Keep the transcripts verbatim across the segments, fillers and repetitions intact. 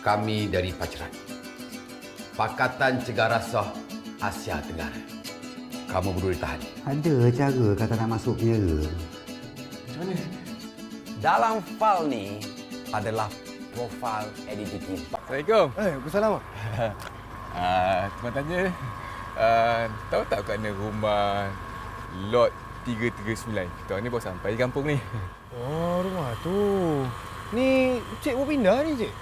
Kami dari Paceran. Pakatan Cegah Rasuah Asia Tenggara. Kamu berdua ditahan. Ada cara kata nak masuk penjara. Macam mana? Dalam file ni adalah profil identiti. Assalamualaikum. Eh, Waalaikumsalam. Ah, cuma tanya, uh, tahu tak kat mana rumah lot tiga tiga sembilan? Kita orang ni baru sampai di kampung ni. Oh, rumah tu. Ni cik mau pindah ni, cik?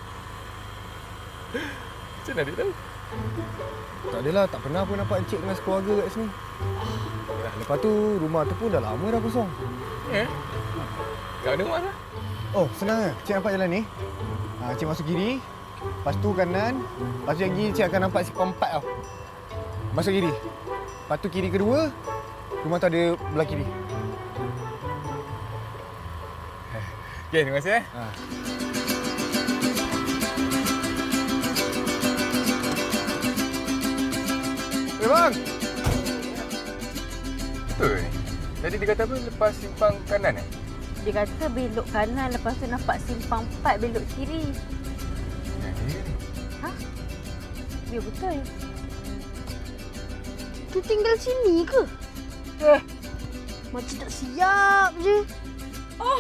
Macam mana dia tahu? Tak adalah, tak pernah pun nampak encik dengan sekeluarga kat sini. Lepas tu, rumah tu pun dah lama dah kosong. Eh? Kat mana rumah dah? Oh, senang lah. Cik nampak jalan ni. Ha, cik masuk kiri. Lepas tu kanan. Lepas tu yang kiri, cik akan nampak simpang empat tau. Masuk kiri. Lepas tu kiri kedua. Rumah tu ada belah kiri. Okey, terima kasih eh. Ha. Eh, bang! Betul ni. Tadi dia kata apa? Lepas simpang kanan eh? Dia kata belok kanan, lepas tu nampak simpang empat belok kiri. Ya, dia ni. Ha? Ya, betul. Tu tinggal sini ke? Eh, macam tak siap je. Oh.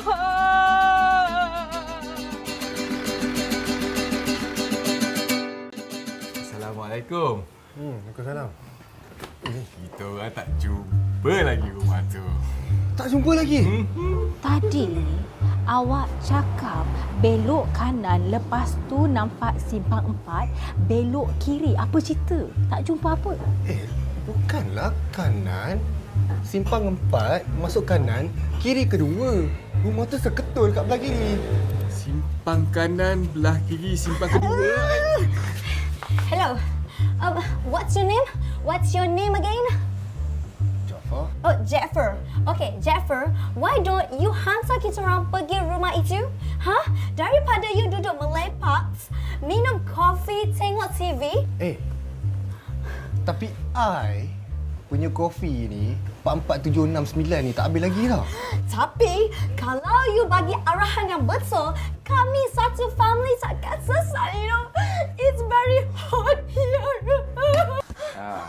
Assalamualaikum. Hmm, Waalaikumsalam. Kita orang tak jumpa lagi rumah tu. Tak jumpa lagi? Hmm. Tadi awak cakap belok kanan, lepas tu nampak simpang empat, belok kiri. Apa cerita? Tak jumpa apa? Eh, bukanlah kanan. Simpang empat, masuk kanan, kiri kedua. Rumah tu seketul kat belah kiri. Simpang kanan, belah kiri, simpang kedua. Hello. Um, what's your name? What's your name again? Jafar? Oh, Jaffer. Okay, Jaffer, why don't you hantar kita orang pergi rumah itu? Hah? Daripada you duduk melepak, minum kopi, tengok T V. Eh, tapi I punya kopi ni empat empat tujuh enam sembilan ni tak habis lagi tau. Tapi, kalau you bagi arahan yang betul, kami satu family takkan selesai, you know. It's very hot here. Ha,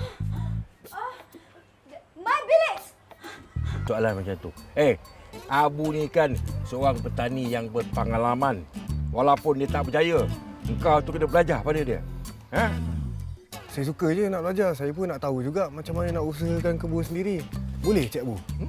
My bilik! soalan macam tu. Eh, Abu ni kan seorang petani yang berpengalaman. Walaupun dia tak berjaya, engkau tu kena belajar pada dia. Ha? Saya suka je nak belajar. Saya pun nak tahu juga macam mana nak usahakan kebun sendiri. Boleh, Cik Abu? Hmm?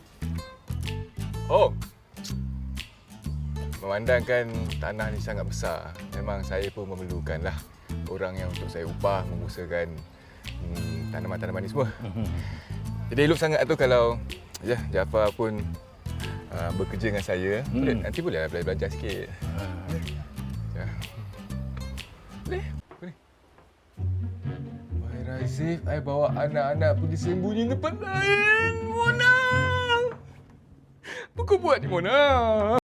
Oh. Memandangkan tanah ni sangat besar, memang saya pun memerlukanlah orang yang untuk saya upah mengusahakan hmm, tanaman-tanaman ni semua. Jadi elok sangat tu kalau ya Jafar pun uh, bekerja dengan saya. Hmm. Boleh, nanti bolehlah belajar-belajar sikit. Ya. Boleh? Boleh. Wahai Raizif, I bawa anak-anak pergi sembunyi tempat lain. Mona! Apa kau buat ni, Mona?